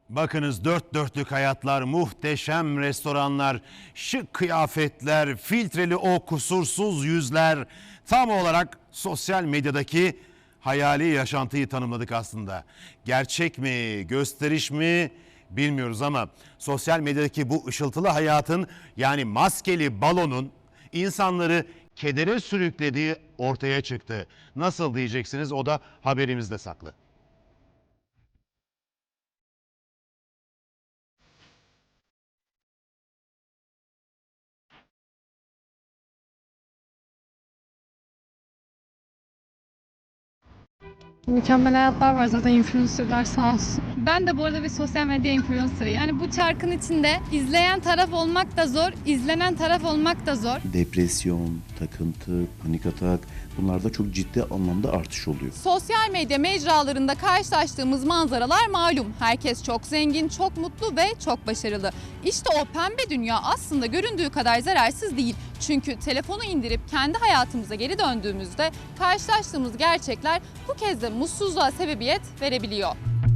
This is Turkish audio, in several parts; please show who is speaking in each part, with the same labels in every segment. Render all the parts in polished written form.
Speaker 1: Bakınız dört dörtlük hayatlar, muhteşem restoranlar, şık kıyafetler, filtreli o kusursuz yüzler. Tam olarak sosyal medyadaki hayali yaşantıyı tanımladık aslında. Gerçek mi, gösteriş mi bilmiyoruz ama sosyal medyadaki bu ışıltılı hayatın, yani maskeli balonun insanları kedere sürüklediği ortaya çıktı. Nasıl diyeceksiniz, o da haberimizde saklı.
Speaker 2: Mükemmel hayatlar var zaten, influencerlar sağ olsun.
Speaker 3: Ben de bu arada bir sosyal medya influencer'ı. Yani bu çarkın içinde izleyen taraf olmak da zor, izlenen taraf olmak da zor.
Speaker 4: Depresyon, takıntı, panik atak, bunlarda çok ciddi anlamda artış oluyor.
Speaker 3: Sosyal medya mecralarında karşılaştığımız manzaralar malum. Herkes çok zengin, çok mutlu ve çok başarılı. İşte o pembe dünya aslında göründüğü kadar zararsız değil. Çünkü telefonu indirip kendi hayatımıza geri döndüğümüzde karşılaştığımız gerçekler bu kez de mutsuzluğa sebebiyet verebiliyor.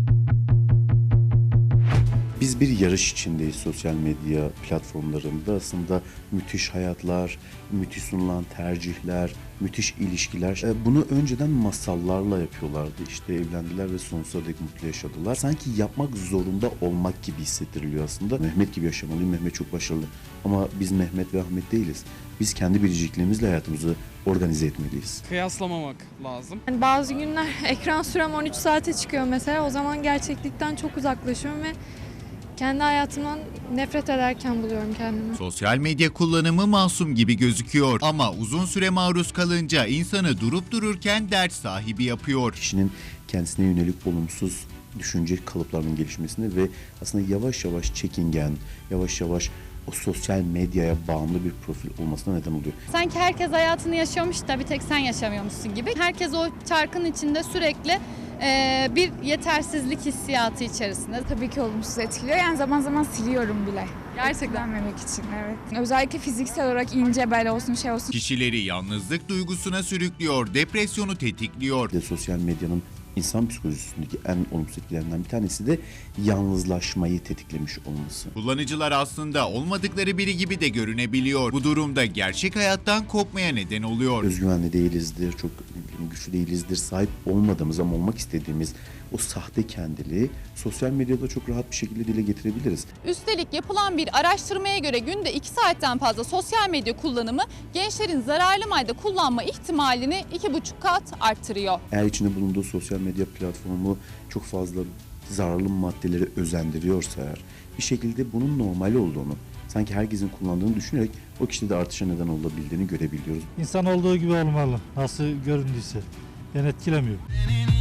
Speaker 4: Biz bir yarış içindeyiz sosyal medya platformlarında. Aslında müthiş hayatlar, müthiş sunulan tercihler, müthiş ilişkiler. Bunu önceden masallarla yapıyorlardı. İşte evlendiler ve sonsuza dek mutlu yaşadılar. Sanki yapmak zorunda olmak gibi hissettiriliyor aslında. Mehmet gibi yaşamalıyım, Mehmet çok başarılı. Ama biz Mehmet ve Ahmet değiliz. Biz kendi biricikliğimizle hayatımızı organize etmeliyiz.
Speaker 5: Kıyaslamamak lazım.
Speaker 2: Yani bazı günler ekran sürem 13 saate çıkıyor mesela. O zaman gerçeklikten çok uzaklaşıyorum ve kendi hayatımdan nefret ederken buluyorum kendimi.
Speaker 6: Sosyal medya kullanımı masum gibi gözüküyor ama uzun süre maruz kalınca insanı durup dururken dert sahibi yapıyor.
Speaker 4: Kişinin kendisine yönelik olumsuz düşünce kalıplarının gelişmesine ve aslında yavaş yavaş çekingen, yavaş yavaş o sosyal medyaya bağımlı bir profil olmasına neden oluyor.
Speaker 3: Sanki herkes hayatını yaşıyormuş da bir tek sen yaşamıyormuşsun gibi. Herkes o çarkın içinde sürekli bir yetersizlik hissiyatı içerisinde.
Speaker 7: Tabii ki olumsuz etkiliyor. Yani zaman zaman siliyorum bile.
Speaker 3: Gerçekten.
Speaker 7: Etkilenmemek için, evet. Özellikle fiziksel olarak ince bel olsun, şey olsun.
Speaker 6: Kişileri yalnızlık duygusuna sürüklüyor, depresyonu tetikliyor.
Speaker 4: Bir de sosyal medyanın insan psikolojisindeki en olumsuz etkilerinden bir tanesi de yalnızlaşmayı tetiklemiş olması.
Speaker 6: Kullanıcılar aslında olmadıkları biri gibi de görünebiliyor. Bu durumda gerçek hayattan kopmaya neden oluyor.
Speaker 4: Özgüvenli değilizdir, çok güçlü değilizdir, sahip olmadığımız ama olmak istediğimiz o sahte kendiliği sosyal medyada çok rahat bir şekilde dile getirebiliriz.
Speaker 3: Üstelik yapılan bir araştırmaya göre günde 2 saatten fazla sosyal medya kullanımı gençlerin zararlı madde kullanma ihtimalini 2,5 kat arttırıyor.
Speaker 4: Eğer içinde bulunduğu sosyal medya platformu çok fazla zararlı maddeleri özendiriyorsa eğer, bir şekilde bunun normal olduğunu, sanki herkesin kullandığını düşünerek o kişide de artışa neden olabildiğini görebiliyoruz.
Speaker 8: İnsan olduğu gibi olmalı. Nasıl göründüyse. Beni etkilemiyor.